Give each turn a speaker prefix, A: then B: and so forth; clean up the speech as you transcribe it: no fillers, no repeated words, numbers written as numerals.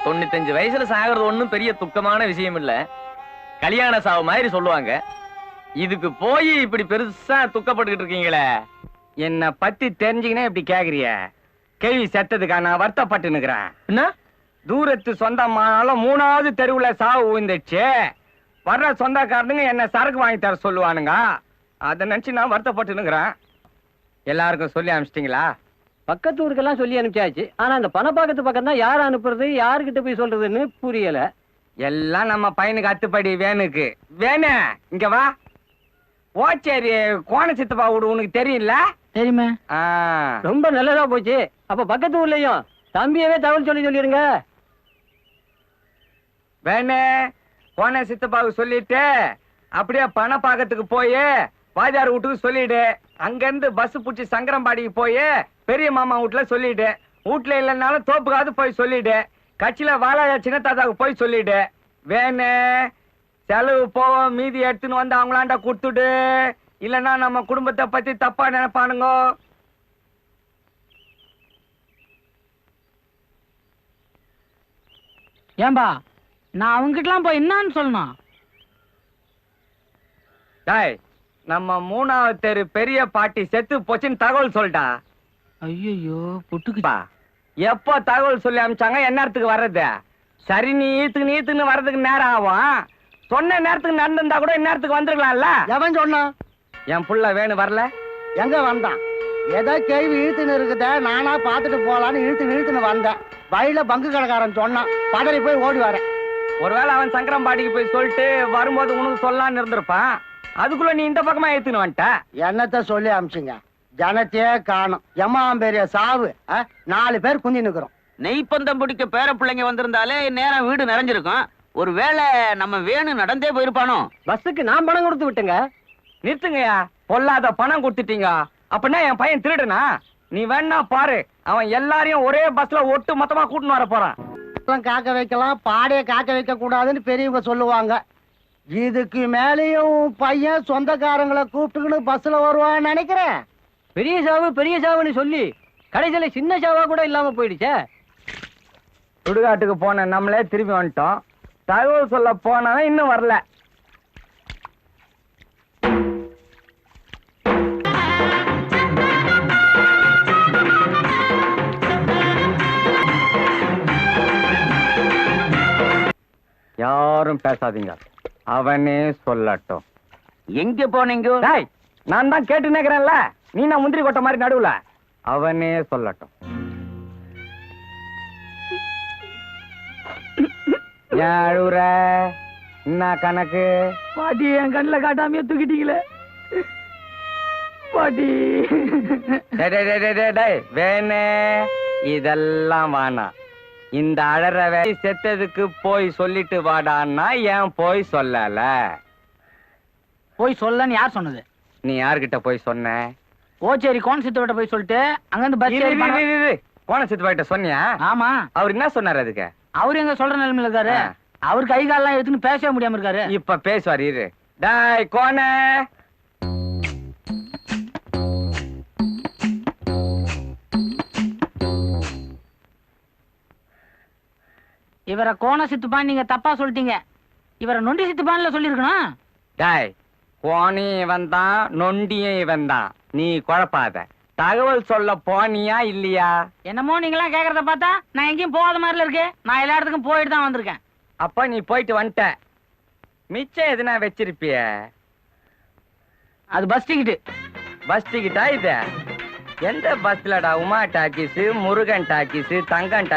A: 95 வயசுல சாகிறது ஒண்ணும் பெரிய துக்கமான விஷயம் இல்ல. கல்யாண சாவு மாதிரி சொல்லுவாங்க. இதுக்கு போய் இப்படி பெருசா துக்கப்பட்டுக்கிட்டு இருக்கீங்களே.
B: என்ன பத்தி தெரிஞ்சுக்கினே இப்படி கேக்குறிய? கேள்வி செத்ததுக்கா நான் வருத்தப்பட்டு நிக்கிறேன்.
A: என்ன
B: தூரத்து சொந்தமானாலும் 3வது தெருவுல சாவு விழுந்துச்சு. வர்ற சொந்தக்காரனுங்க என்ன சரக்கு வாங்கி தர சொல்லுவானுங்க. அதை நினைச்சு நான் வருத்தப்பட்டு நிக்கிறேன். எல்லாருக்கும் சொல்லி அனுப்பிச்சிட்டீங்களா?
C: பக்கத்து ஊருக்கெல்லாம் சொல்லி அனுப்பிச்சாச்சு. ஆனா அந்த பணப்பாக்கத்து பக்கம் தான் யார் அனுப்புறது, யாருக்கிட்ட போய் சொல்றதுன்னு புரியல.
B: எல்லாம் நம்ம பையனுக்கு அத்துப்படி வேணுக்கு. வேணு இங்க வா. ஓச்சேரி கோண சித்தப்பா வீடு உனக்கு தெரியும்ல?
C: தெரியுமே. ரொம்ப நல்லதா போச்சு. அப்ப பக்கத்து ஊர்லயும் தம்பியவே தகவல் சொல்லிடுங்க.
B: வேணு கோண சித்தப்பாவுக்கு சொல்லிட்டு அப்படியே பணப்பாக்கத்துக்கு போய் வாஜார் வீட்டுக்கு சொல்லிடு. அங்க இருந்து பஸ் புடிச்சு சங்கரம்பாடிக்கு போய் பெரிய மாமா வீட்டுல சொல்லிடு. வீட்டுல இல்லைன்னாலும் தோப்புக்காவது போய் சொல்லிடு. கட்சியில வாழ சின்ன தாத்தாவுக்கு போய் சொல்லிடு. வேணு செலவு போவோம், மீதி எடுத்துன்னு வந்து அவங்களாண்ட கொடுத்துடு. இல்லைன்னா நம்ம குடும்பத்தை பத்தி தப்பா நினைப்பானுங்க.
D: ஏன்பா நான் அவங்கிட்டலாம் போய் என்னன்னு சொல்லணும்?
B: டாய் நம்ம 3வது தெரு பெரிய பாட்டி செத்து போச்சுன்னு தகவல் சொல்லிட்டா.
D: ஐயோ புட்டுக்குப்பா.
B: எப்போ தகவல் சொல்லி அனுப்பிச்சாங்க? என்ன நேரத்துக்கு வர்றது? சரி நீ ஈத்துன்னு வர்றதுக்கு நேரம் ஆகும். சொன்ன நேரத்துக்கு நடந்திருந்தா கூட இந்நேரத்துக்கு வந்துருக்கலாம்ல.
C: எவன் சொன்னான்?
B: என் புள்ள வேணு வரல.
C: எங்க வந்தான்? ஏதோ கேள்வி இழுத்துன்னு இருக்குத, நானா பாத்துட்டு போலான்னு இழுத்துன்னு வந்தேன். வயல பங்கு கடைக்காரன் சொன்னான். பதறி போய் ஓடி வரேன்.
B: ஒருவேளை அவன் சங்கரம்பாடிக்கு போய் சொல்லிட்டு வரும்போது உனக்கு சொல்லலான்னு இருந்திருப்பான். அதுக்குள்ள நீ இந்த பக்கமா ஏத்துன்னு வந்துட்ட.
C: என்னத்த சொல்லி அமிச்சுங்க? ஜனத்தையே காணும். எம்மாம் பெரிய சாவு. 4 பேர் குந்தி நிக்கிறோம்.
E: நெய்ப்பந்தம் பிடிக்க பேர பிள்ளைங்க வந்திருந்தாலே நேரம் வீடு நிறைஞ்சிருக்கும். ஒருவேளை நம்ம வேணு நடந்தே போயிருப்பானோ?
C: பஸ்ஸுக்கு நான் பணம் கொடுத்து விட்டுங்க.
B: நிறுத்துங்கயா, பொல்லாத பணம் கொடுத்துட்டீங்க. அப்படின்னா என் பையன் திருடுனா? நீ வேணா பாரு, அவன் எல்லாரையும் ஒரே பஸ்ல ஒட்டு மொத்தமா கூட்டின்னு வர போறான்.
C: காக்க வைக்கலாம், பாடைய காக்க வைக்க கூடாதுன்னு பெரியவங்க சொல்லுவாங்க. இதுக்கு மேலேயும் பையன் சொந்தக்காரங்களை கூப்பிட்டுக்கின்னு பஸ்ல வருவான்னு நினைக்கிறேன். பெரிய சாவுன்னு சொல்லி கடைசியில சின்ன சாவா கூட இல்லாம போயிடுச்சே.
B: சுடுகாட்டுக்கு போன நம்மளே திரும்பி வந்துட்டோம். தகவல் சொல்ல போனவன் இன்னும் வரல. யாரும் பேசாதீங்க, அவனே சொல்லட்டும்.
E: எங்க போனீங்க?
B: நான் தான் கேட்டு நிக்கிறேன்ல, நீ நான் முந்திரி கொட்ட மாதிரி நடுவுல. அவனே சொல்லட்டும். ஏன் அழுவுற? என்ன கணக்கு?
D: பாட்டி என் கண்ணில் காட்டாமையே தூக்கிட்டீங்களே பாட்டி.
B: வேணே இதெல்லாம் வானா. இந்த அழற வேலை செத்ததுக்கு போய் சொல்லிட்டு வாடான்னா ஏன் போய் சொல்லல?
D: போய் சொல்லன்னு யார் சொன்னது?
B: நீ யார்கிட்ட போய் சொன்ன?
D: ஓச்சேரி கோணசித்தோட போய் சொல்லிட்டு அங்கிருந்து பஸ்
B: கோண சித்தப்பாட்ட சொன்னியா?
D: ஆமா.
B: அவர் என்ன சொன்னாரு அதுக்கு?
D: அவரு எங்க சொல்ற நிலைமையில இருக்காரு. அவரு கை காலெல்லாம் எடுத்துன்னு பேசவே முடியாம இருக்காரு.
B: இப்ப பேசுவார் இரு. டாய் கோண,
D: இவரை கோண சித்துப்பான்னு நீங்க தப்பா சொல்லிட்டீங்க. இவரை நொண்டி சித்துப்பான்ல சொல்லிருக்கணும்.
B: டாய் கோணியும் இவன் தான், நொண்டியும் இவன் தான். நீ குழப்பாத. தகவல் சொல்ல போனியா இல்லையா?
D: என்னமோ நீங்களாம் கேக்குறத பார்த்தா நான் எங்கேயும் போகாத மாதிரில இருக்கு. நான் எல்லா இடத்துக்கும் போயிட்டு தான் வந்திருக்கேன்.
B: அப்ப நீ போயிட்டு வந்துட்ட. மிச்சம் எதுனா வச்சிருப்பிய?
D: அது பஸ் டிக்கெட்டு.
B: பஸ் டிக்கெட்டா இது? எந்த பஸ்லடா? Uma talkies, Murugan talkies, தங்கன்